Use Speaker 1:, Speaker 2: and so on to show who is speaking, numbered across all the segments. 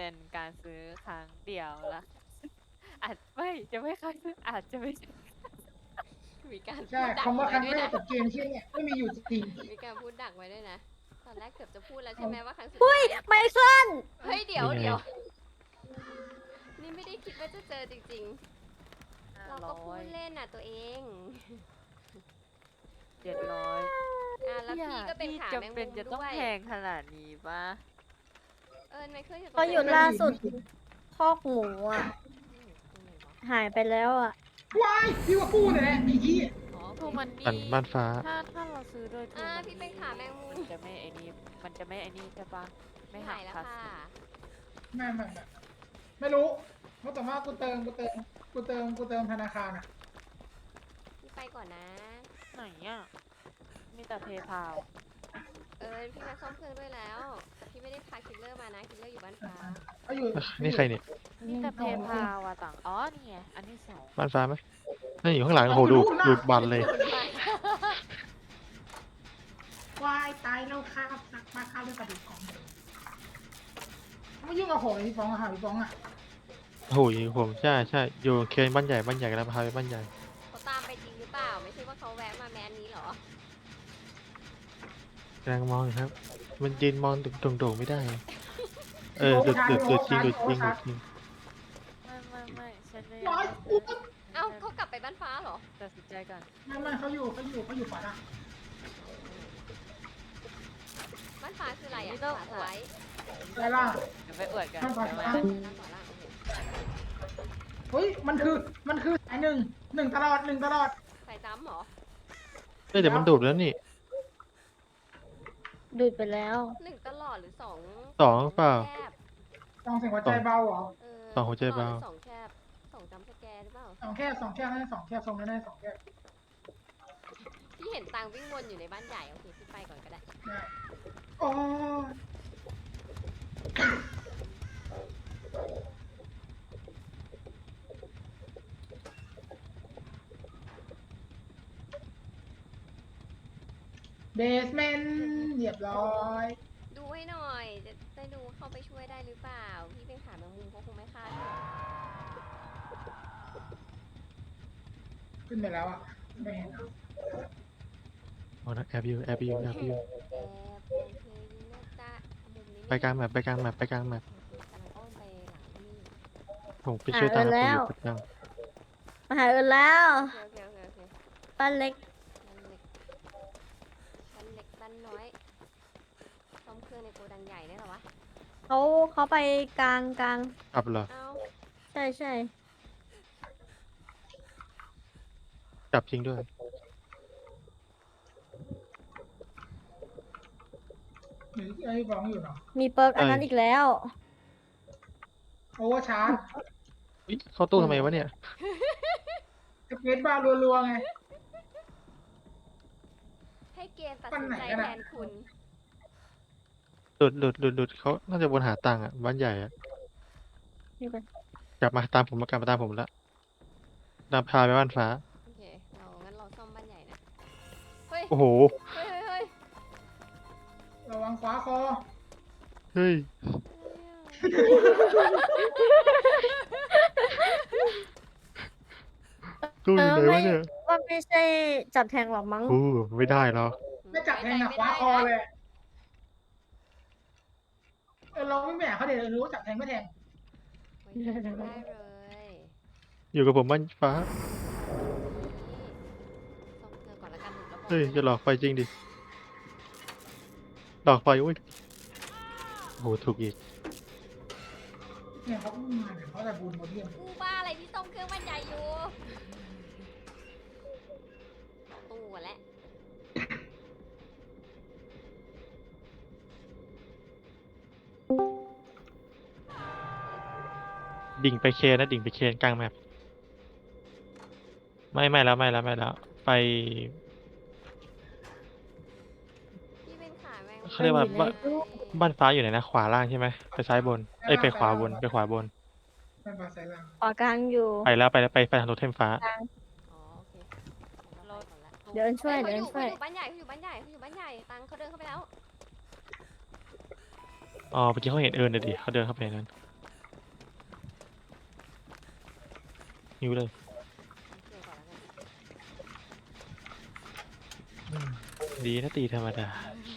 Speaker 1: เป็นการซื้อครั้งเดียวละอาจไม่จะไม่ครั้งซื้ออาจจะไม่ใช่
Speaker 2: มีการ
Speaker 3: ใช่
Speaker 2: พูดดัก
Speaker 3: คำว่าค
Speaker 2: ไว้
Speaker 3: รั้ง
Speaker 2: ด้วย
Speaker 3: แรก
Speaker 2: นะ
Speaker 3: กับเกมเช่นเนี่ยไม่มีอยู่จริง
Speaker 2: มีการพูดดักไว้ด้วยนะ ตอนแรกเกือบจะพูดแล้วใช่ไหมว่าครั้งสุด
Speaker 4: อุ้
Speaker 2: ท้าย ย
Speaker 4: ไมเคิล
Speaker 2: เฮ้ยเดี๋ยว
Speaker 5: นี่ไง
Speaker 2: เดี๋ยว นี่ไม่ได้คิดว่าจะเจอจริงๆ เราก็พูดเล่นน่ะตัวเอง
Speaker 1: 700
Speaker 2: แล้วพี่ก็เป็นขาแมง
Speaker 1: จำเป็
Speaker 2: มุ
Speaker 1: น
Speaker 2: ม
Speaker 1: จะต้อง
Speaker 2: ด้วย
Speaker 1: แพงขนาดนี้ปะ
Speaker 2: ไมเคิลอยู่ตรง
Speaker 4: เขาอยู่
Speaker 2: ไหน
Speaker 4: ล่าสุดคอกหมูอ่ะ
Speaker 2: ตรงไหนวะ
Speaker 4: หายไปแล้วอ่ะ
Speaker 3: ว้ายพี่ว่ากู้เนี่ยแหละไอ้ยี่
Speaker 2: อ๋อ
Speaker 1: ทูมันนี่
Speaker 5: ปั่นบ้านฟ้า
Speaker 1: ถ้าเราซื้อโดยทูมัน
Speaker 2: พี่เป็นขาแมงมุม
Speaker 1: มันจะไม่ไอ้นี่มันจะไม่ไอ้นี่ใช่ปะไม่หั
Speaker 2: หาก ยแล้ว
Speaker 1: ภา
Speaker 2: ค่ะ
Speaker 1: ษี
Speaker 3: ไม่รู้เพราะแต่ว่ากูเติมธนาคารอ่ะ
Speaker 2: พี่ไปก่อนนะ
Speaker 1: ไหนอ่ะมีแต่เพย์พาว
Speaker 2: พี่มาซ่อมเครื่องด้วยแล้ว พี่ไม่ได้พาคิลเลอร์มานะ คิลเลอร์อยู่บ้านฟ้า
Speaker 3: เขาอยู่
Speaker 5: นี่ใครเนี่ย
Speaker 1: มีแต่เพย์พาวอะต่างอ๋อนี่ไงอันที่สอง
Speaker 5: บ้านฟ้าไหมนั่นอยู่ข้างหลังโอ้โหดูดบันเลย
Speaker 3: วายตายแล้วข้าวสักมาข้าวด้วยกระดูกของไม่ยุ่งกับผมเลยพี่ฟองอะค่ะพี่ฟองอะ
Speaker 5: โอ้โหผมใช่อยู่เคนบ้านใหญ่กันแล้วพาไปบ้านใหญ่
Speaker 2: เขาตามไปจริงหรือเปล่า ไม่ใช่ว่าเขาแวะมาแมนนี้เหรอ
Speaker 5: กำลังมองอยู่ครับ มันยืนมองโด่งๆไม่ได้ ดูดจริง
Speaker 1: ไม่ฉันไม่
Speaker 3: น้อย
Speaker 2: เอ้าเขากลับไปบ้านฟ้าเหรอ
Speaker 1: ตัดสินใจก่อน
Speaker 3: ไม่เขาอยู่ฝาอะ
Speaker 2: บ้านฟ้าคืออะไรอ่ะ
Speaker 1: นี่ต้อง
Speaker 2: ขวาซ้าย
Speaker 3: ได้ล่ะ
Speaker 1: เดี๋ยวไปอวดกัน
Speaker 3: ข้างขวา
Speaker 1: เดี๋ยว
Speaker 3: ขวา
Speaker 1: มา
Speaker 2: ด้านขวาล่างโอเค
Speaker 3: เฮ้ยมันคือสายหนึ่งตลอด
Speaker 2: ใส่จ้ำเหรอ
Speaker 5: เดี๋ยวมันดูดแล้วนี่
Speaker 4: ดูดไปแล้ว
Speaker 2: 1 ตลอดหรือ 2
Speaker 5: สองเปล่า
Speaker 2: แคบ
Speaker 3: ต้องเสียงหัวใจเบาเหรอ
Speaker 5: สองหัวใจเบา
Speaker 2: ตลอดหรือ2 แคบ 2 จำสแกร์หรือเปล่า
Speaker 3: สองแค่ให้สองแค่ทรงนั้นได้สองแค่
Speaker 2: พี่เห็นตังวิ่งวนอยู่ในบ้านใหญ่ โอเค พี่ไปก่อนก็ได้
Speaker 3: โอ้เบสเมนต์เรียบร้อย
Speaker 2: ดูให้หน่อย จะได้ดูเข้าไปช่วยได้หรือเปล่า พี่เป็นขาแมงมุมเขาคงไม่ฆ่าหรอก
Speaker 3: ขึ้นไปแล้วอ่ะไม่เห็นอะ
Speaker 5: โอ้นะแอบอยู่
Speaker 2: แอบโอเคนะจ๊ะมุมนี้
Speaker 5: ไปกลางแมป
Speaker 2: กำลังอ้อมไปหลังนี่
Speaker 5: ผมไปช่วยตาม
Speaker 4: หาเอิญแล้ว
Speaker 5: ผมอยู่กับยัง
Speaker 4: มาหาเอิญแล้ว
Speaker 2: โอเค
Speaker 4: ป้าเล็ก
Speaker 2: บ้านเล็กบ้านน้อยซ่อมเครื่องในโกดังใหญ่ได้เหรอวะ
Speaker 4: เขาไปกลาง
Speaker 5: กลับเหรอ
Speaker 2: เอ้า
Speaker 4: ใช่
Speaker 5: กลับจริงด้วย
Speaker 3: หรือไอ้ฟ้องอยู่เนาะ
Speaker 4: มีเปิร์กอันนั้นอีกแล้ว
Speaker 3: โอเวอร์ชาร์จ
Speaker 5: อุ๊ยเข้าตู้ทำไมวะเนี่ย
Speaker 3: สเก็ตบาร์รัวๆไง
Speaker 2: ให้เกณฑ์ตัด
Speaker 3: บ้าน
Speaker 2: สิน
Speaker 3: ไหน
Speaker 2: ใจ
Speaker 3: กัน
Speaker 2: แท
Speaker 3: อะ
Speaker 2: นคุณ
Speaker 5: หลุดเขาน่าจะวนหาตังค์อ่ะ บ้านใหญ่อ่ะ
Speaker 4: นี่ไป
Speaker 5: กลับมาตามผมแล้วนำพาไปบ้านฟ้า
Speaker 2: โอเค งั้นเราซ่อมบ้านใหญ่นะ เฮ้ย
Speaker 5: โอ้โห
Speaker 2: เฮ้ย
Speaker 3: ระวังขวาคอ
Speaker 5: เฮ้ย ตู้อยู่ไหนวะเนี่ย
Speaker 4: ว่าไม่ใช่จับแทงหรอกมั้ง
Speaker 5: โอ้ไม่ได้หรอก
Speaker 3: ไม่จับแทงอะขวาคอเลยเราไม่แหม่เขาเดี๋ยวรู้จับแทงไม่แทง
Speaker 2: ได้เลย
Speaker 5: อยู่กับผมบ้านฟ้า
Speaker 2: ซ่อมเครื่องก่อนละกันแล้วบอก
Speaker 5: เฮ้ย จะหลอกไฟจริงดิ หลอกไฟอุ้ยโอ้โห ถูกอีก
Speaker 3: เนี่ยเขาอุ้มมาเนี่ยเขาจะบูนโมเดียม
Speaker 2: กูบ้าอะไรพี่ซ่อมเครื่องบ้านใหญ่อยู่ตู้อะแหละ
Speaker 5: ดิ่งไปเคนนะ ดิ่งไปเคนกลางแมปไม่แล้ว ไป
Speaker 2: พี่เป็นขาแมงมุม
Speaker 5: เขาเรียกว่า
Speaker 4: มันอยู่ในตู้
Speaker 5: บ้านฟ้าอยู่ไหนนะ ขวาล่างใช่ไหม ไปซ้ายบน ไปขวาบน
Speaker 3: เป็นภาษาลัง
Speaker 4: ขวากลางอยู่
Speaker 5: ไปทางโทเทมฟ้า
Speaker 2: อ๋อโอเคเราไปก่อนละ
Speaker 4: เดี๋ยวเอิญช่วย
Speaker 2: เขา
Speaker 4: เดี๋ยว
Speaker 2: อ
Speaker 4: เอิญ
Speaker 2: ยู่
Speaker 4: ช่วย
Speaker 2: บ้านใหญ่เขาอยู่บ้านใหญ่ตังเขาเดินเข้าไปแล้ว
Speaker 5: อ๋อเมื่อกี้เขาเห็นเอิญเลยดิเขาเดินเข้าไปในนั้นหิวเลย
Speaker 2: เกี่ยวก่อนแล้วกัน
Speaker 5: อืมดีนะตีธรรมดา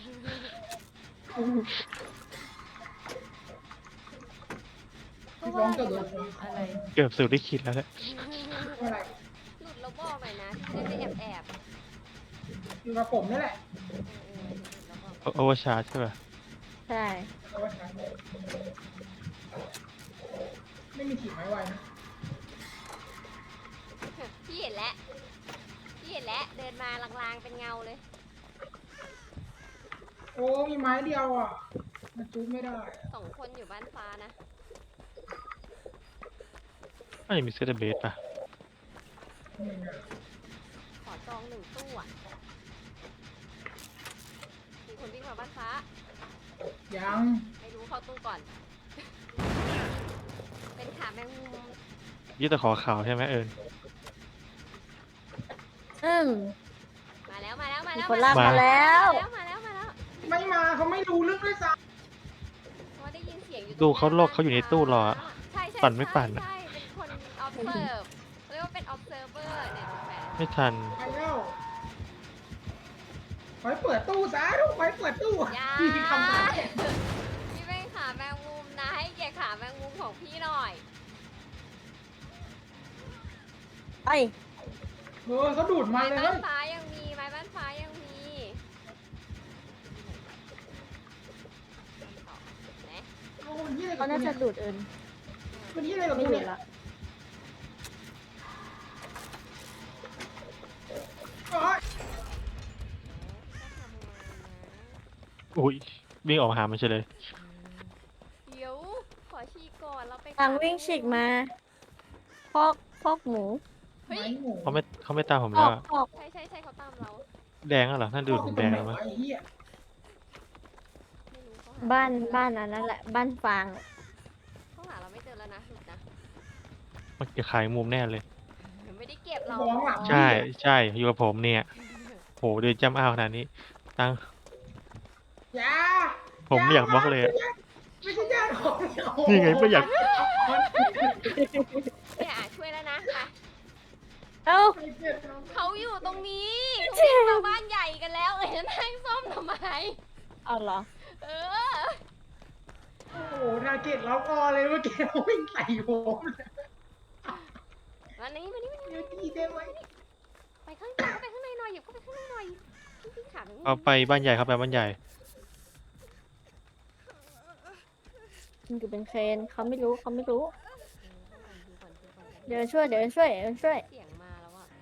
Speaker 1: ก็ว่าอยู่อะไร
Speaker 5: เกือบสุดที่คิดแล้วแหละ
Speaker 3: อะไร
Speaker 2: หลุดแล้วบอกหน่อยนะพี่จะได้ไปแอบ
Speaker 3: อยู่กับผมนี่แหละ
Speaker 2: หลุดแล้วบอก
Speaker 5: โอเวอร์ชาร์จใช่ป่ะ
Speaker 4: ใช่
Speaker 3: เอาไว้ใช้ไม่มีถีบไม้ไวนะ
Speaker 2: พี่เห็นแล้วเดินมาลางๆเป็นเงาเลย
Speaker 3: โอ้มีไม้เดียวอ่ะมันจูบไม่ได้
Speaker 2: 2 คนอยู่บ้านฟ้านะ
Speaker 5: ไม่มีเซตเบสป่ะ
Speaker 3: หนึ่งอะ
Speaker 2: ขอจอง1 ตู้อ่ะมีคนวิ่งมาบ้านฟ้า
Speaker 3: ยัง
Speaker 2: ไม่รู้เข้าตู้ก่อน เป็นขาแมงมุม
Speaker 5: ยี่ตะขอข่าวใช่ไหมเอิญ
Speaker 2: มาแล้วมาแล้วมา
Speaker 4: มี
Speaker 2: แล้ว
Speaker 4: คนลาก
Speaker 5: มา
Speaker 4: มาแล้ว
Speaker 2: มาแล้ว
Speaker 3: ไม่มาเขาไม่รู้เรื่องด้วยซ้
Speaker 2: เพราะว่าได้ยินเสียงอยู่
Speaker 5: ดูเขาโลกเขาอยู่ในตู้รออะ
Speaker 2: ใช่
Speaker 5: ปั่นไม่ปั่นอะ
Speaker 2: ใช่เป็นคน observe เรียกว่าเป็น observer เนี่ยดูแปล
Speaker 5: ไม่ทัน
Speaker 3: ำไปแล้วไปเปิดตู้ซะทุกไปเปิดตู้
Speaker 2: อย่า
Speaker 3: พี่ทำตาม
Speaker 2: พี่เป็นขาแมงมุมนะให้เกียรติขาแมงมุมของพี่หน่อย
Speaker 4: ไป
Speaker 3: เขาดูดมา
Speaker 2: ไม้
Speaker 3: เลย
Speaker 2: บ้า
Speaker 3: เฮ้
Speaker 2: น
Speaker 3: ย
Speaker 2: ฟ้ายังมีไม้บ้านฟ้ายังมีไหน
Speaker 3: โอ้ยยี่อะไรกั
Speaker 4: เขา
Speaker 3: บ
Speaker 4: น่า
Speaker 3: กู
Speaker 4: จะ
Speaker 3: เนี่ย
Speaker 4: ดูดเอิญ
Speaker 3: มันยี่อะไรกับ
Speaker 4: ไม่
Speaker 3: กู
Speaker 4: ดู
Speaker 3: เนี่
Speaker 4: ด
Speaker 3: ย
Speaker 4: ละ
Speaker 3: โอ๊ย
Speaker 5: อุ้ยวิ่งออกมาหามันเฉยเลย
Speaker 2: เดี๋ยวขอฉีกก่อนเราไป
Speaker 4: ทางวิ่งฉีกมาคอกหมู
Speaker 2: เฮ้ย
Speaker 3: ไม้หมู
Speaker 5: เขาไม่ตามผม
Speaker 4: ค
Speaker 5: แล้
Speaker 4: อ
Speaker 5: ว
Speaker 4: ก
Speaker 5: อะ
Speaker 4: คอก
Speaker 2: ใช่เขาตามเรา
Speaker 5: แดงแล้วเหรอท่านดูดผมแดงแล้วมั้ย
Speaker 3: ไอ้เหี้ย
Speaker 2: ไม่รู้เขาหา
Speaker 4: บ้านอันนั้นแหละ บ้านฟาง
Speaker 2: เขาหาเราไม่เจอแล้วนะหลุดนะ
Speaker 5: มันจะขายมุมแน่เลย
Speaker 2: ไม่ได้เก็บเรา
Speaker 3: ร้องหลัง
Speaker 5: ใช่ใช่อยู่กับผมเนี่ยโหเดินจ้ำอ้าวขนาดนี้ตั้ง
Speaker 3: อย่า
Speaker 5: ผมไม่อยากบล็อกเลยอะ
Speaker 3: ไม่ใช่ญาติผม
Speaker 5: นี่ไงไม่อยาก
Speaker 2: เนี่ยช่วยแล้วนะไป
Speaker 4: เอ้า
Speaker 2: เขาอยู่ตรงนี้เขาวิ่งมาบ้านใหญ่กันแล้วนั่งซ่อมทำไม
Speaker 4: เอาเหรอ
Speaker 2: เออ
Speaker 3: โอ้โหทาร์เก็ตล็อกออเลยเมื่อกี้วิ่งใส่ผมเลย
Speaker 2: มานี่มานี่
Speaker 3: เดี๋ยวตีได้ไหม
Speaker 2: ไปข้างในหน่อยหยิบเข้าไปข้างในหน่อยพี่ขา
Speaker 5: เอาไปบ้านใหญ่ครับไปบ้านใหญ่
Speaker 4: มันอยู่เป็นเคนเขาไม่รู้ เดี๋ยวช่วย
Speaker 2: เสียงมาแล้วอ่ะ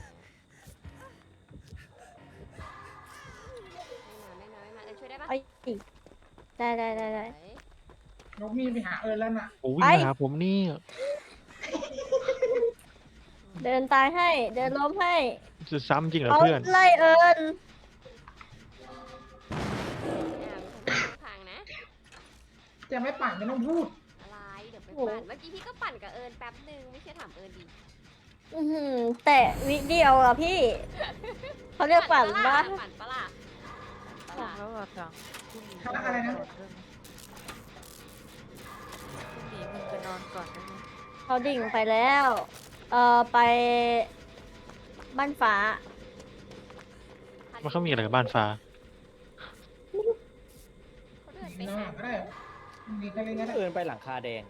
Speaker 2: ไม่มาช่วยได้ปะ
Speaker 4: ไปอีกได้
Speaker 3: นกมีไปหาเอิญแล้วน่ะ
Speaker 5: โอ้วิ่งมาหาผมนี่
Speaker 4: เดินตายให้ เดินล้มให้
Speaker 5: จะซ้ำจริงเหรอ
Speaker 4: เขา
Speaker 5: เพื่อน
Speaker 4: ไล่เอิญ
Speaker 2: พังนะ
Speaker 3: จะไม่ปั่นไม่ต้องพูด
Speaker 2: อะไรเดี๋ยวไปปั่นเมื่อกี้พี่ก็ปั่นกับเอิญแป๊บนึงไม่ใช่ถามเอิญดิ
Speaker 4: แต่วิเดียวอ่ะพี่ เขาเรียกปั่นปะ
Speaker 2: ปั่นปะล่ะ
Speaker 1: ของแล้วเหรอจังพรุ่งนี้
Speaker 3: อะไรนะ
Speaker 1: พรุ่งนี้มึงไปนอนก่อนได้ไหม
Speaker 4: เขาดิ่งไปแล้ว ไปบ้านฟ้า
Speaker 5: มันเขามีอะไรกับบ้านฟ้า
Speaker 2: เขาเดินไป
Speaker 3: ไม่ต้อง
Speaker 2: หา
Speaker 3: หาก็ได้ดีก็เลยก็ได้
Speaker 6: เอินไปหลังคาแดง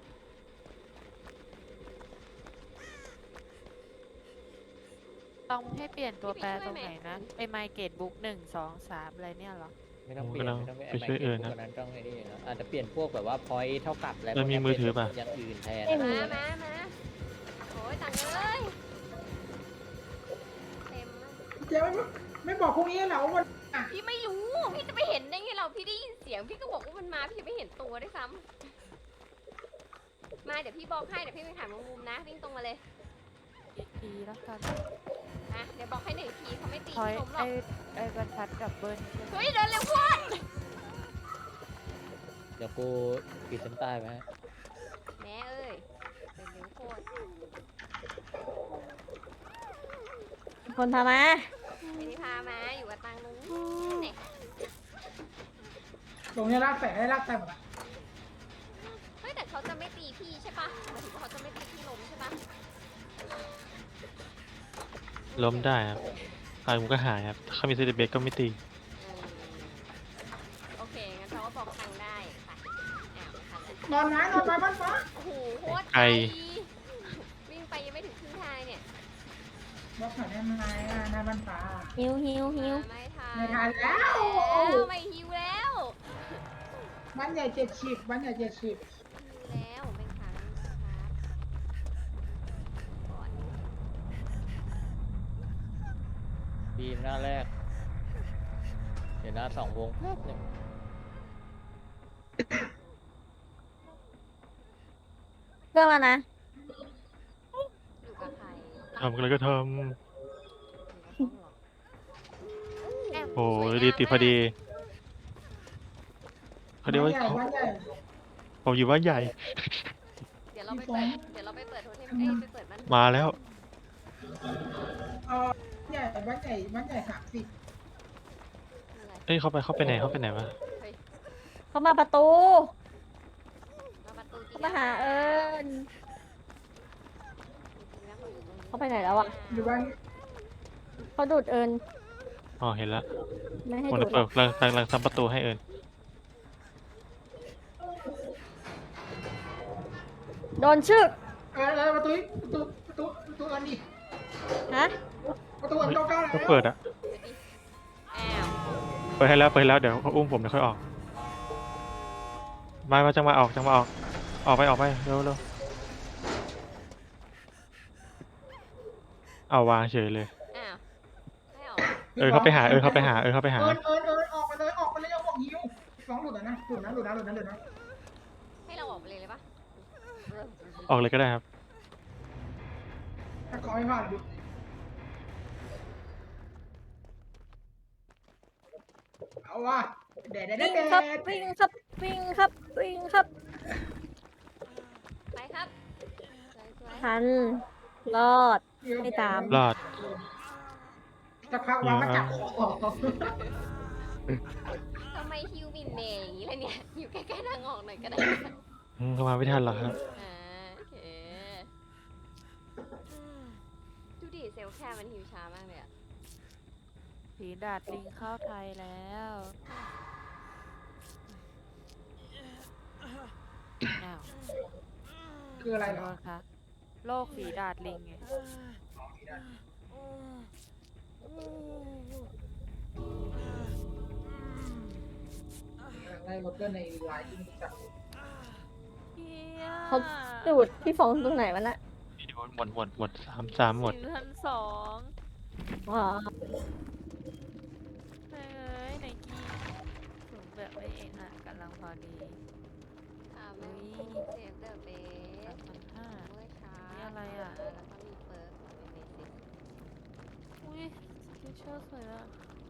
Speaker 1: ต้องให้เปลี่ยนตัวแปรตรงไหนนะไอไมเกตบุ๊ก1 2 3อะไรเนี่ยเหรอ
Speaker 6: ไม่ต้องเปลี่ยน
Speaker 5: ผม
Speaker 6: ไม่ต้อง
Speaker 5: ไปช่วยเอิญนะ
Speaker 6: พวกนั้นต้องไอ้นี่นะอาจจะเปลี่ยนพวกแบบว่าพอยเท่ากับอะไร
Speaker 5: แล้วมีมือถือป่ะ
Speaker 6: อย่างอื่นแทน
Speaker 4: ไม่มี
Speaker 2: มาโอ้ยตังเลยเต็มมาก
Speaker 3: เจ๊ไม่บอกพวกนี้เหรอว่ามันอ่ะ
Speaker 2: พี่ไม่รู้ พี่จะไปเห็นได้ไงเรา พี่ได้ยินเสียง พี่ก็บอกว่ามันมา พี่จะไม่เห็นตัวด้วยซ้ำมาเดี๋ยวพี่บอกให้ เดี๋ยวพี่ไปถามมุมนะ วิ่งตรงมาเลย
Speaker 1: อีกทีแล้วกัน
Speaker 2: นะเดี๋ยวบอกให้1 ทีเขาไม่ตี
Speaker 1: พอย
Speaker 2: ผมหร
Speaker 1: ไอ
Speaker 2: อก
Speaker 1: บรรทัดกับเบิร์นใช่ไหม
Speaker 2: เฮ้ยเดินเร็วโพูด
Speaker 6: เดี๋ยวกูปิดเส้นใต้ไว้ให้
Speaker 2: แม่เอ้ยเดินเร็วโคตร
Speaker 4: คนพามา
Speaker 2: ไม่ได้พามาอยู่กับตังนู้นเนี่ย
Speaker 3: ตรงนี้ลากใส่ได้ลากใส่หมดละ
Speaker 2: เฮ้ยแต่เขาจะไม่ตีพี่ใช่ปะหมายถึงว่าเขาจะไม่ตีพี่ล้มใช่ปะ
Speaker 5: ล้มได้ครับตายผมก็หายครับถ้าเขามีเซติเบสก็ไม่ตี
Speaker 2: อืมโอเค งั้นเขาก็บอกทางได้ไปทันแล้ว
Speaker 3: นอนไม้บ้านฟ้า
Speaker 2: โอ้โหโคตร
Speaker 5: ไกล
Speaker 2: วิ่งไปยังไม่ถึงครึ่งทางเนี่ย
Speaker 3: บล็อกหน่อยได้ไหมหน้าบ้านฟ้า
Speaker 4: หิวหิวหิว
Speaker 2: ไม่ทัน
Speaker 3: ไม่ทันแล้ว
Speaker 2: ไม่หิวแล้ว
Speaker 3: บ้านใหญ่70บ้านใหญ่70
Speaker 2: หิวแล้วเป็นครั้งครับก่อน
Speaker 6: บีมหน้าแรก เดี๋ยวหน้าสองวงแป๊บหนึง
Speaker 4: เรื่องแล้วนะ
Speaker 2: อยู่กับใคร
Speaker 5: ทำอะไรก็ท
Speaker 2: อยู่กับเขาเหรอ
Speaker 5: ำโอ้
Speaker 2: สวย
Speaker 5: ย
Speaker 2: งาม
Speaker 5: ดีติดพอดีพอดีว่า
Speaker 3: บ้านใหญ่
Speaker 5: ผมอยู่บ้านใหญ่
Speaker 2: เดี๋ยวเราไปเปิดโทเทมไปเปิดบ้าน
Speaker 5: มาแล้ว
Speaker 3: บ้านใหญ่30
Speaker 2: อะไร
Speaker 5: เอ้ยเข้าไปไหนวะ
Speaker 2: เฮ้ย
Speaker 4: เขามาประตู
Speaker 2: มาประตูจริง
Speaker 4: เขามาหาเอิญ
Speaker 2: จริงๆแล้วเขาอยู่ตรงนี้
Speaker 4: เขาไปไหนแล้วอะ
Speaker 3: อยู่บ้าน
Speaker 4: เขาดูดเอิญ
Speaker 5: อ๋อเห็นแล้ว
Speaker 4: ไม่ให้
Speaker 5: ผม
Speaker 4: ดู
Speaker 5: จะ
Speaker 4: ดหร
Speaker 5: เปิ
Speaker 4: อ
Speaker 5: ด
Speaker 4: ก
Speaker 5: กำลังทำประตูให้เอิญ
Speaker 4: โดนชึก
Speaker 3: ประตูอันนี้
Speaker 4: ฮะ
Speaker 3: ประตูอันเก้าแล้ว
Speaker 5: ก็เปิดอะ
Speaker 2: อ้าว
Speaker 5: เปิดให้แล้วเดี๋ยวเขาอุ้มผมเดี๋ยวค่อยออกมาจังมาออกออกไปเร็วเอาวางเฉยเลย
Speaker 2: อ้าวให้ออก
Speaker 5: เขาไปหา
Speaker 3: ออกไปเลยเอาบอกหิวฟ้องหลุดนะหลุดนะ
Speaker 2: ให้เราออกไปเลยปะ
Speaker 5: ออกเลยก็ได้ครับ
Speaker 3: ถ้าขอให้ผ่านหลุดเอาว่ะแดด
Speaker 4: วิ่งครับ วิ่งครับ วิ่งครับ วิ่งครับ
Speaker 2: ไปครับสวย
Speaker 4: ทัน รอด ไม่ตาม
Speaker 5: รอด
Speaker 3: จะพักวางมาจับคอ
Speaker 2: ๆทำไมฮิวมินเนยอย่างนี้เลยเนี่ย อยู่ใกล้ๆทางออกหน่อยก็ได้
Speaker 5: เข้ามาไม่ทันหรอกครับ
Speaker 2: โอเค ดูดิเซลล์แคร์มันฮิวช้ามากเลยอะ
Speaker 1: ผีดาดลิงเข้าไทยแล้วอ้าว
Speaker 3: คืออะไร
Speaker 1: ขอ
Speaker 3: เหร
Speaker 1: โท
Speaker 3: อ
Speaker 1: ษค่ะโรคฝีดาดลิงไง
Speaker 3: ได้รถเพื่อนในไลน์ที่จับ
Speaker 1: เฮีย
Speaker 4: เขาดูดพี่ฟองตรงไหนวะน่ะ
Speaker 5: วิดีโอหมดสามหมด
Speaker 1: 1,200
Speaker 4: ว้า
Speaker 1: เฮ้ยไนกี้สูงแบบไม่เอ็นอ่ะกำลังพอดี
Speaker 2: ไม่เซฟเดอะเบส
Speaker 1: 3,500
Speaker 2: ด้วยช้า
Speaker 1: นี่อะไรอะ
Speaker 2: แล้วก็มีเปิร์กของเบสิก
Speaker 1: อุ้ยสเกชเชอร์สวยอ่ะ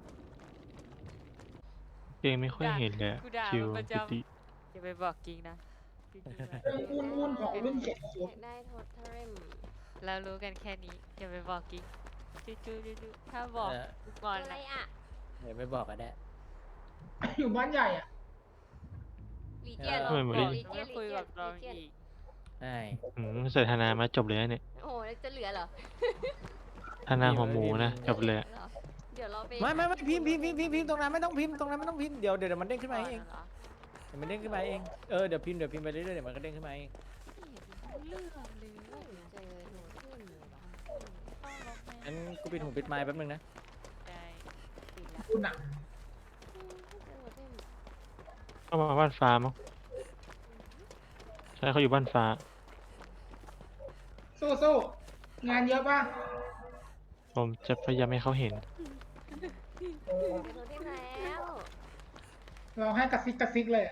Speaker 5: เองไม่ค่อยเห็นเลยอะ
Speaker 1: กูด่า
Speaker 5: คิว
Speaker 1: มันประจำ
Speaker 5: ปิติ
Speaker 1: อย่าไปบอกกิงนะจริงๆนะ
Speaker 3: วุ่นของรุ่นเจ็ด
Speaker 2: อยากได้โทเทม
Speaker 1: เรารู้กันแค่นี้อย่าไปบอกกิงจูถ้าบอกกูงอน
Speaker 2: อะไร
Speaker 1: นะ
Speaker 2: อะ
Speaker 6: เดี๋ยวไม่บอกก็ได้
Speaker 3: อยู่บ้านใหญ่อ่ะ
Speaker 2: ลีเจียน
Speaker 5: ทำไมเหมือนได้
Speaker 2: ลี
Speaker 1: ไม่
Speaker 2: เจียน
Speaker 1: คุยกับเราอีก
Speaker 6: ใช่
Speaker 5: ใส่ธนามาจบเลยนะเนี่ย
Speaker 2: โอ้โหแล้วจะเหลือเหรอ
Speaker 5: ธนาหัวหมูนะจบเลยอะ
Speaker 2: เหรอเดี๋ยวเราไป
Speaker 6: ไม่พิมพ์ตรงนั้นไม่ต้องพิมพ์เดี๋ยวมันเด้งขึ้นมาเอง
Speaker 1: เหรอ
Speaker 6: เดี๋ยวมันเด้งขึ้นมาเองเดี๋ยวพิมพ์ไปเรื่อยๆเดี๋ยวมันก็เด้งขึ้นมาเอง
Speaker 1: เรื่องเลย
Speaker 2: เจอโทเทมเหรอ
Speaker 6: งั้นกูปิดหูปิดไมค์แป๊บนึงนะ
Speaker 1: ได้ปิดละ
Speaker 3: คุณอ่ะ
Speaker 2: เจอโทเทม
Speaker 5: เข้ามาบ้านฟ้ามั้งใช่เขาอยู่บ้านฟ้า
Speaker 3: สู้งานเยอะป่ะ
Speaker 5: ผมจะพยายามให้เขาเห็น
Speaker 2: เจอโทเทมแล้ว
Speaker 3: เราให้กระซิกเลย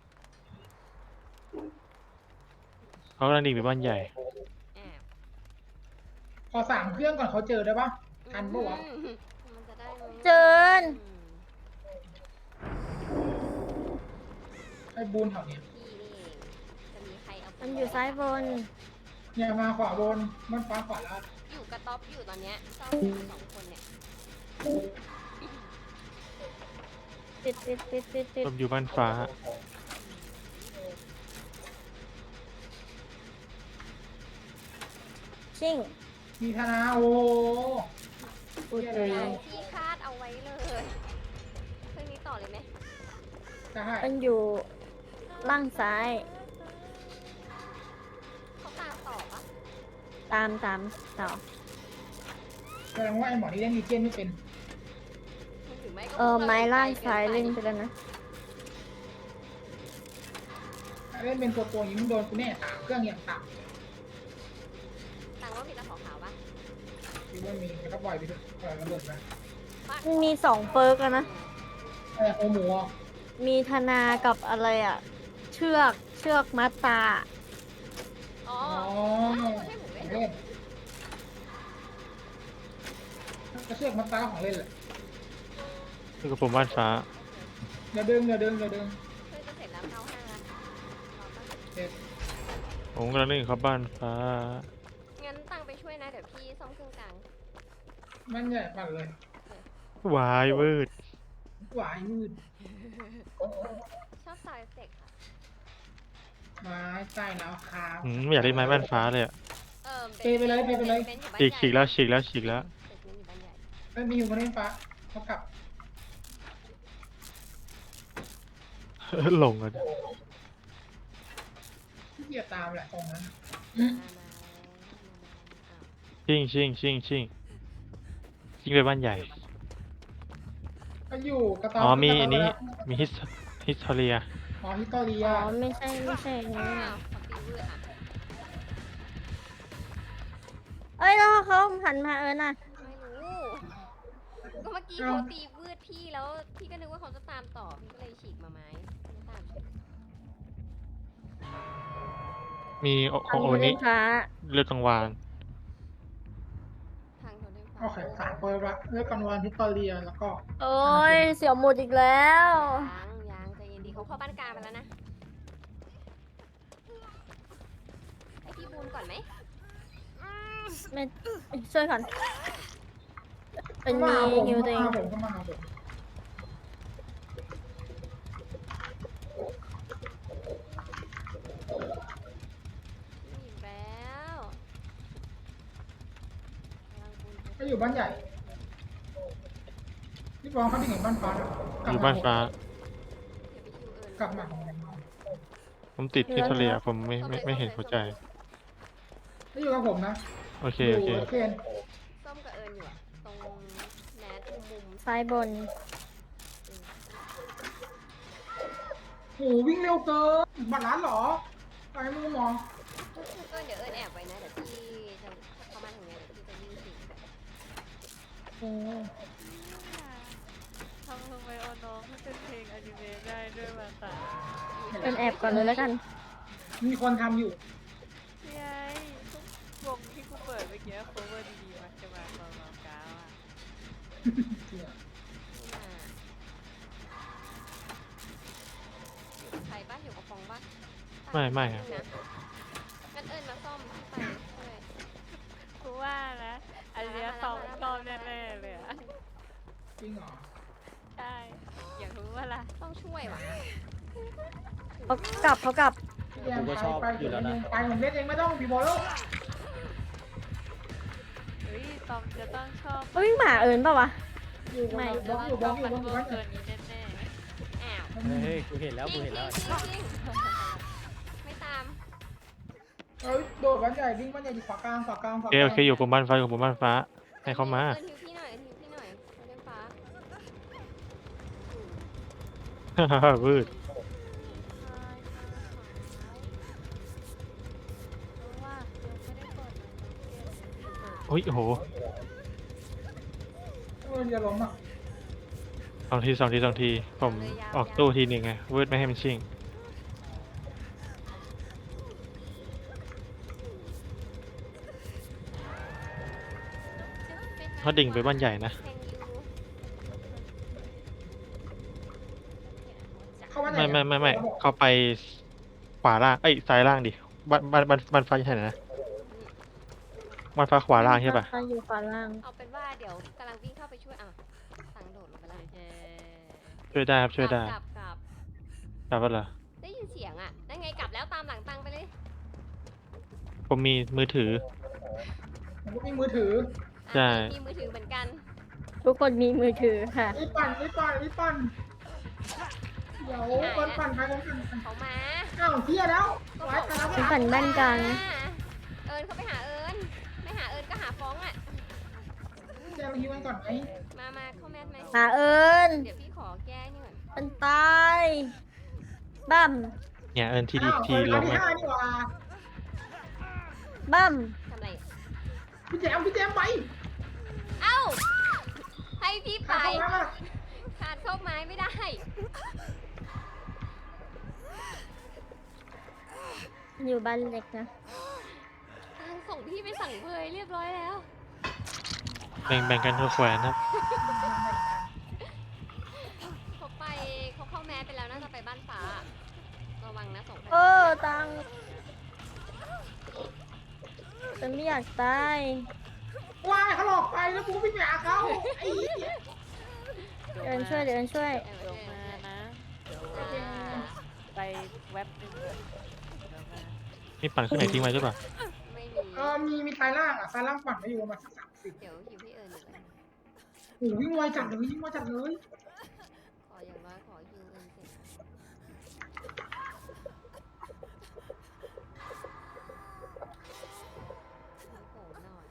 Speaker 5: เขากำลังดิ่งไปบ้านใหญ่
Speaker 2: แอบ
Speaker 3: พอ3เครื่องก่อนเขาเจอได้ป่ะทันปะวะ
Speaker 2: มันจะได้ไหม
Speaker 4: เจิน
Speaker 3: ไอ้บูนแถวเนี้ย
Speaker 2: พี่นี่เองจะมีใครเอา
Speaker 4: มั
Speaker 2: มัน
Speaker 4: อยู่ซ้ายบน
Speaker 3: เนี่ยมาขวาบนมันฟ้าขวาล่าง
Speaker 2: อยู่กระต๊อบอยู่ตอนเนี้ยเจ้าอยู่สองคนเนี่ย
Speaker 4: ติด
Speaker 5: ผมอยู่บ้านฟ้า
Speaker 4: ชิ่ง
Speaker 3: มีธนาโอ้
Speaker 4: อุย
Speaker 2: ที่คาดเอาไว้เลยเครื่องนี้ต่อเลยไหม
Speaker 3: ได้
Speaker 4: มันอยู่ล่างซ้าย
Speaker 2: เขาตามต่อปะ
Speaker 4: ตามต่อ
Speaker 3: แสดงว่าไอ้หมอนี่เล่นดีเจนไม่เป็น
Speaker 2: หรือไม่ก็
Speaker 4: ไม้ล่างซ้ายเล่นไปแล้วนะ
Speaker 3: เล่นเป็นตัวอย่างนี้มึงโดนกูแน่3เครื่องอย่างต่
Speaker 2: ต่างว่ามีตาขาวๆปะ
Speaker 3: ำคิดว่ามีแล้วก็ปล่อยไปด้วยปล่อยระเบิดไป
Speaker 4: มันมี2เปิร์กอะนะ
Speaker 3: โอหมูอ่ะ
Speaker 4: มีธนากับอะไรอ่ะ เชือกมัดตา
Speaker 2: อ๋อ
Speaker 3: อ๋อ
Speaker 2: ให้หมู
Speaker 3: ข
Speaker 2: เล่
Speaker 3: อน งเล่นก็เชือกมัดตาของเล่นแหละ
Speaker 5: นี่กับผมบ้านฟ้า
Speaker 3: อย่าดึง
Speaker 2: เพื่อนจะเสร็จแล้วเข้าห้างแล้วรอปะ
Speaker 3: เสร็จ
Speaker 5: ผมกำลังเล่นกับบ้านฟ้า
Speaker 2: งั้นตังไปช่วยนะเดี๋ยวพี่ซ่อมเครื่องกลาง
Speaker 3: มันใหญ่ปั่นเลยว
Speaker 5: ายวืด
Speaker 3: หวายมืด
Speaker 2: ชอบซาวด์เอฟเฟกต์ค่ะ
Speaker 3: ไม้ใต้แล้วครับ
Speaker 5: ไม่อยากเล่นไม้บ้านฟ้าเลยอะ
Speaker 3: เปไปเลย
Speaker 2: บนอยู่บ้าน
Speaker 5: ฉีกแล้ว
Speaker 2: ใหญ่
Speaker 5: ฉีกแล้วฉีกแล้ว
Speaker 2: เบนอยู่บ้านใหญ่
Speaker 3: ไม่มีอยู่บนเล่นฟ้าเขากลับ
Speaker 5: หลงอ่ะ
Speaker 3: ที่เกียจตามแหละตรงนั้น
Speaker 2: มา
Speaker 5: ชิงไปบ้านใหญ่
Speaker 3: ก็อยู่กระต๊อบ
Speaker 5: อ๋อมี
Speaker 3: กระต๊บ
Speaker 5: อันนี้
Speaker 3: แล้ว
Speaker 5: มีฮิสโทเรีย
Speaker 3: อ๋อฮิตตอเรีย
Speaker 4: อ๋อ ไม่ใช่อย่างนี้
Speaker 2: อ้าวขอตีวืดอ่ะ
Speaker 4: เอ้ย แล้วเขาหันมาน่ะ
Speaker 2: ไม่รู้ ก็เมื่อกี้เขาตีวืดพี่แล้วพี่ก็นึกว่าเขาจะตามต่อพี่ก็เลยฉีกมาไม้ไม่ตาม
Speaker 5: มีโอ
Speaker 4: ทาง
Speaker 5: โอ
Speaker 4: เล่
Speaker 5: นี้
Speaker 4: นฟ้า
Speaker 5: เลือดกลางวาน
Speaker 2: ทางโทเทมฟ้า
Speaker 3: โอเคสามเปิดละเลือกกันวันฮิตตอเรียแล้วก็
Speaker 4: โอ้ย เสียวหมุดอีกแล้ว
Speaker 2: ยังใจเย็นดีเขาเข้าบ้านกลางไปแล้วนะให้พี่บูนก่อนไหม
Speaker 4: ไม่ช่วยก่อน เป็นมี
Speaker 3: ผม
Speaker 4: ฮิวตัวเอง
Speaker 3: ผมก็มาหาผม
Speaker 2: อีกแล้วกำลังบูน
Speaker 3: ก็อยู่บ้านใหญ่พี่บอลเขาที่เห็นบ้านฟ้านะ
Speaker 5: อยู่บ้านฟ้า
Speaker 2: เดี๋ยวไปคิวเอิญ
Speaker 3: กลับมา
Speaker 5: ผมติดฮิสโทเรีย ผมไม่เห็นหัวใจ
Speaker 3: ไม่อยู่กับผมนะ
Speaker 5: โอเค
Speaker 3: อยู่
Speaker 5: โอเค
Speaker 3: เคน
Speaker 2: ส้มกับเอิญอยู่อะตรงแนทมุม
Speaker 4: ซ้ายบน
Speaker 3: โหวิ่งเร็วเกินบัตรร้านเหรอไปมึงมอง
Speaker 2: เอิญเดี๋ยวเอิญแอบไว้นะเดี๋ยวพี่จะเข้ามาทางเนี้ยเดี๋ยวพี่จะวิ่งสิ
Speaker 1: ทำไมเอาน้องให้เป็นเพลงอนิเมะได้ด้วยมาตา
Speaker 4: เป็นแอบก่อนเลยแล้วกัน
Speaker 3: มีคนทำอยู่
Speaker 1: พี่ไอ้วงที่กูเปิดเมื่อกี้โคเวอร์ดีๆมักจะมาตอนเราก้าวอ่ะ
Speaker 2: อยู่กับใครปะอยู่กับฟองปะ
Speaker 5: ไม่ครับ
Speaker 2: นะงั้นเอิญมาซ่อมพี่ไปช่วย
Speaker 1: กูว่านะอันเนี้ยตอบตอบแน่ๆเลยอ่ะ
Speaker 3: จริงเหรอ
Speaker 1: ใช่อยากรู้ว่าล่ะ
Speaker 2: ต้องช่วยว่ะ
Speaker 4: เขากลับ
Speaker 6: กูก็ชอบอยู่แล้วนะ
Speaker 3: ไปผมเล่นเองไม่ต้องพี่บอลแล้ว
Speaker 1: เฮ้ยตอมจะต้องชอบ
Speaker 4: เฮ้ย หมาเอิญเปล่าวะ
Speaker 3: อยู่
Speaker 4: ไม่
Speaker 3: บล็อกอยู่บล็อกอยู่บล็อกอยู่
Speaker 1: มั
Speaker 3: บ้าน น
Speaker 1: ตัวนี้แน่
Speaker 2: อ้าว
Speaker 6: เฮ้ย กูเห็นแล้ว กูเห็นแล้ว
Speaker 2: จริงไม่ตาม
Speaker 3: เอ้ยโดดบ้านใหญ่วิ่งบ้านใหญ่อยู่ขวากลางขวากลางขวา
Speaker 5: โอก เค
Speaker 3: ลาง
Speaker 5: โอเค อยู่ผมบ้านฟ้าอยู่ผมบ้านฟ้า ให้เขามา
Speaker 2: เอิญฮิวพี่หน่อยเอิญฮิวพี่หน่อยโทเทมฟ้า
Speaker 5: วืด
Speaker 1: ๆเพราะว่ายังไม่ได้เปิดนะเกม
Speaker 5: โอ้ยโอ้โห
Speaker 3: เอออย่าล้มอ่ะ
Speaker 5: สองที ผมออกตู้ทีหนึ่งไงวืดไม่ให้มันชิงเขาดิ่งไปบ้านใหญ่นะ
Speaker 2: แทงยู
Speaker 3: เข้าบ้านใหญ่
Speaker 5: ไม่ เขาไปขวาล่าง เอ้ย ซ้ายล่างดิ บ้านฟ้าอยู่ไหนนะ บ้านฟ้าขวาล่างใช่ปะ
Speaker 4: เขาอยู่ขวาล่าง
Speaker 2: เอาเป็นว่าเดี๋ยวกำลังวิ่งเข้าไปช่วยอ่ะสั่งโดดลงไปแล้ว
Speaker 1: เย้
Speaker 5: ช่วยได้ครับ ช่วยได้
Speaker 2: กลับ
Speaker 5: กลับแล้วเหรอ
Speaker 2: ได้ยินเสียงอ่ะนั่นไงกลับแล้วตามหลังตังไปเลย
Speaker 5: ผมมีมือถือ
Speaker 3: ผมก็มีมือถือ
Speaker 2: อ่ะ
Speaker 5: ใช่
Speaker 2: มีมือถือเหมือนกัน
Speaker 4: ทุกคนมีมือถือค่ะ
Speaker 3: รีบปั่นรีบปั่นรีบปั่นเดี๋ยวคนปั่นไปคนปั่น
Speaker 2: เขามา
Speaker 3: อ้าวเที่ยแล้ว
Speaker 2: ก็
Speaker 3: ไว้
Speaker 2: บอก
Speaker 3: ตายแล้ว
Speaker 4: ฉันปั่นบ้านกลาง
Speaker 2: เอิญเขาไปหาเอิญไม่หาเอิญก็หาฟ้องอ่ะ
Speaker 3: เดี๋ยวมาฮิวกันก่อนไหม
Speaker 2: มาเข้าแมสไหม
Speaker 4: หาเอิญ
Speaker 2: เดี๋ยวพี่ขอแก้นี่ก่อน
Speaker 4: มันตายบั้ม
Speaker 5: เนี่ยเอินทีดี
Speaker 3: อ้าว
Speaker 5: ที
Speaker 3: คน
Speaker 5: ล
Speaker 3: ร้าน
Speaker 5: ง
Speaker 3: ที่
Speaker 5: อะ
Speaker 3: ห้านี่หว่า
Speaker 4: บั้ม
Speaker 2: ทำไร
Speaker 3: พี่แจมพี่แจมไป
Speaker 2: เอ้า ให้พี่ไป
Speaker 3: เข้ามา
Speaker 2: ขาดเข้าไม้ไม่ได้
Speaker 4: อยู่บ้านเล็กนะ
Speaker 2: ส่งพี่ไปสั่งเพยเรียบร้อยแล้ว
Speaker 5: แบ่งกันคนแขวนครับ
Speaker 2: เขาไปเขาเข้าแมสไปแล้วน่าจะไปบ้านฟ้า ระวังนะ2,000
Speaker 4: เออตังฉันไม่อยากตาย
Speaker 3: ว้ายเขาหลอกไปแล้วกูวิ่งไปหาเขาไอ้เหี้ย
Speaker 4: เดินช่วยเดินช่วย
Speaker 2: เออ
Speaker 1: เดี๋ยวมานะเดี๋ยว
Speaker 2: อ่า
Speaker 1: ไปแว็บนึงเดี๋ยวมา
Speaker 5: มีปั่นเครื่องไหนทิ้งไว้หรือเปล่า
Speaker 2: ไม่มี
Speaker 3: มีสายล่างอ่ะสายล่างปั่นไปอยู่ประมาณสัก30
Speaker 2: เดี๋ยวหิวพี่เอิญอยู่เลย
Speaker 3: โอ้โหวิ่งไวจัดเลยวิ่งไวจัดเลย
Speaker 2: ขออย่างน้อยขอฮิวเอิญเสร็จให้โผล่หน่อย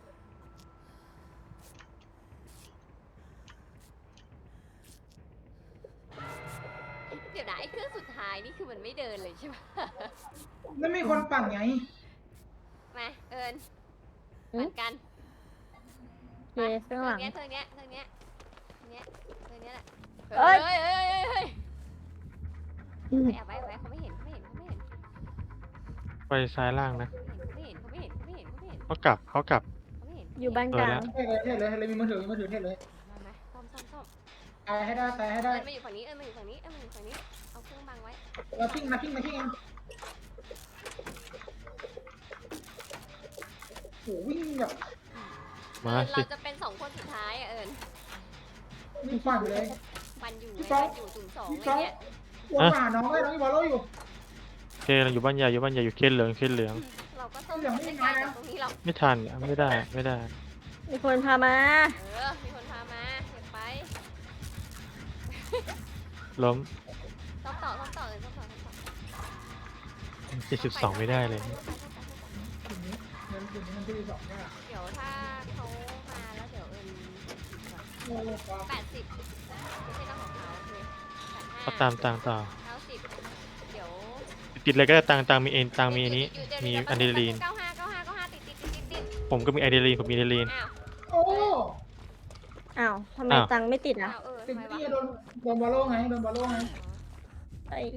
Speaker 2: เดี๋ยวนะไอ้เครื่องสุดท้ายนี่คือมันไม่เดินเลยใช่ไหม
Speaker 3: แล้วมีคนปั่นไง
Speaker 2: มาเอิญ
Speaker 4: หืม
Speaker 2: ปั่นกัน
Speaker 4: เย้ข้างหลัง
Speaker 2: เนี้ยเธอเนี้ยเธอเนี้ยเนี้ยเธอเนี้ยแหละ
Speaker 4: เอ้ย
Speaker 2: เฮ้ยเฮ้ยเฮ้ยเฮ้ยไปแอบไว้เขาไม่เห็นเขาไม่เห็นเขาไม่เห็น
Speaker 5: ไปซ้ายล่างนะ
Speaker 2: เขาไม่เห็นเขาไม่เห็นเขาไม่เห็นเขาไม่เห็น
Speaker 5: เขากลับเขากลับ
Speaker 2: เขาไม่เห็น
Speaker 4: อยู่บ้านกลาง
Speaker 3: เท่เลยมีมือถือเท่เลย
Speaker 2: มาซ่อม
Speaker 3: ตายให้ได้ตายให้ได้
Speaker 2: เอิญมาอยู่ฝั่งนี้เอิญมาอยู่ฝั่งนี้เอิญมาอยู่ฝั่งนี้เอาเครื่องบังไว้
Speaker 3: เราพิ้งมาเองโหวิ่งแบบ
Speaker 5: มา
Speaker 2: เอิญ
Speaker 5: สิ
Speaker 2: เราจะเป็น2 คนสุดท้ายอ่ะเอิญ
Speaker 3: วิ่งปั่นเลย
Speaker 2: ปันอยู่
Speaker 3: พี่
Speaker 2: ไง
Speaker 3: ฟ้อง
Speaker 2: ปันอยู่02
Speaker 3: พี่
Speaker 2: เล
Speaker 3: ฟ้อย ง
Speaker 2: เนี่ย
Speaker 3: วนมาหาน้องเลยน้องอีบอลโลอยู่
Speaker 5: โอเคเราอยู่บ้านใหญ่อยู่บ้านใหญ่อยู่เคนเหลืองเคนเหลือง
Speaker 2: เราก็ต้อง
Speaker 3: เหลืองไม่
Speaker 2: ไม่
Speaker 3: มา
Speaker 2: ไกล
Speaker 3: นะ
Speaker 2: จากตรงนี้หรอก
Speaker 5: ไม่ทันไม่ได้ไม่ได้
Speaker 4: มีคนพามา
Speaker 2: มีคนพามาเก็บไป
Speaker 5: ล้ม
Speaker 2: ซ่อมต่อเอิญซ่อมต่อ
Speaker 5: 72ไม่ได้เลย
Speaker 3: เงินถึงมันจะมี2หน้า
Speaker 2: เดี๋ยวถ้าเขามาแล้วเดี๋ยวเอิญก่อน
Speaker 3: โอ้โห
Speaker 2: 80ไม่ใช่ต้องของเขาโอเค
Speaker 5: เขาตามต่างต่อ
Speaker 2: 90เดี๋ยว
Speaker 5: ติดเลยก็ได้ตังมีเอ็นตังมีอันนี้
Speaker 2: เดี๋ยว
Speaker 5: มี
Speaker 2: เดี๋ยว
Speaker 5: อะดรีนาลีน
Speaker 2: 95ติด
Speaker 5: ผมก็มีอะดรีนาลีนผมมีอะดรีนาลีน
Speaker 2: อ้าว
Speaker 3: โอ้
Speaker 4: อ้าวทำไม
Speaker 5: อ้าว
Speaker 4: ตังค์ไม่ติดอ่ะ
Speaker 2: อ้าว
Speaker 3: ติด
Speaker 2: ทำไม
Speaker 3: ที่
Speaker 2: วะ
Speaker 3: โดนบอลโลไงโดนบอลโลไง
Speaker 4: ไอ้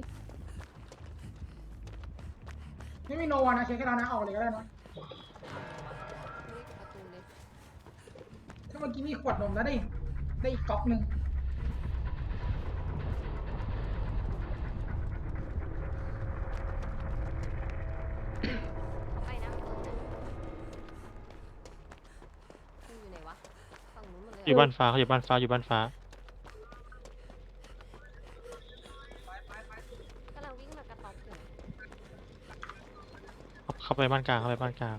Speaker 3: ไม่มีโนวานะเช็คให้เรานะออกเลยก็ได้นะ
Speaker 2: ประตูเลย
Speaker 3: ถ้าเมื่อกี้มีขวดนมแล้วได้อีกก๊อกหนึ่ง
Speaker 2: เขาไปนะประตูนะคุณอยู่ไหนวะฝั่งนู้นหมดเลย
Speaker 5: อยู่บ้านฟ้าเขาอยู่บ้านฟ้าอยู่บ้านฟ้าก
Speaker 2: ำลังวิ่งมากระต๊อบอยู่
Speaker 5: เข้าไปบ้านกลางเข้าไปบ้านกลาง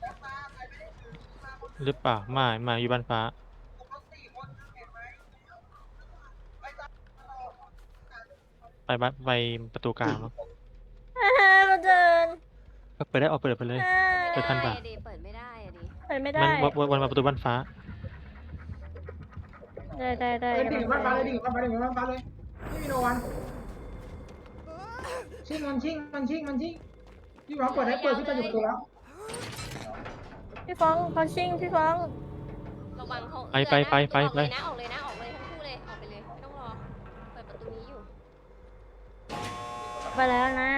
Speaker 5: หรือเปล่าไม่อยู่บ้านฟ้าไปประตูกลางมั้ง
Speaker 4: มาเดิน
Speaker 5: เปิดได้ออกเปิดไปเลย เปิดทันปะ
Speaker 2: เปิดไม่ได้อะดิ
Speaker 4: ไปไม่ได้
Speaker 5: มันวนมาประตูบ้านฟ้า
Speaker 4: ได้
Speaker 3: เลย
Speaker 4: กำ
Speaker 3: ดิ่
Speaker 4: ลั
Speaker 3: ง
Speaker 4: ง
Speaker 3: บ้านฟ้า
Speaker 4: ไป
Speaker 3: เลยดิ่งบ้านฟ้าเลยดิ่งบ้านฟ้าเลยไม่มีโนวันชิงพี่หวังเปิดพี่จะอยู่ประตูแล้ว
Speaker 4: พี่ฟ้องเขาชิงพี่ฟ้อง
Speaker 2: ระวังเขา
Speaker 5: ไป
Speaker 2: ออกเลยนะออกเลยทั้งคู่เลยออกไปเลยไม่ต้องรอเปิดประตูนี้อยู่
Speaker 4: ไปแล้วนะ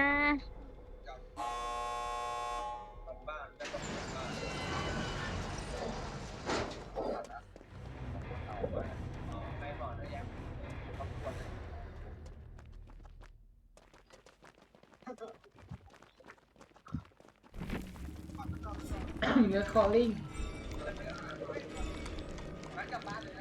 Speaker 3: เหลือคอลลิ่ง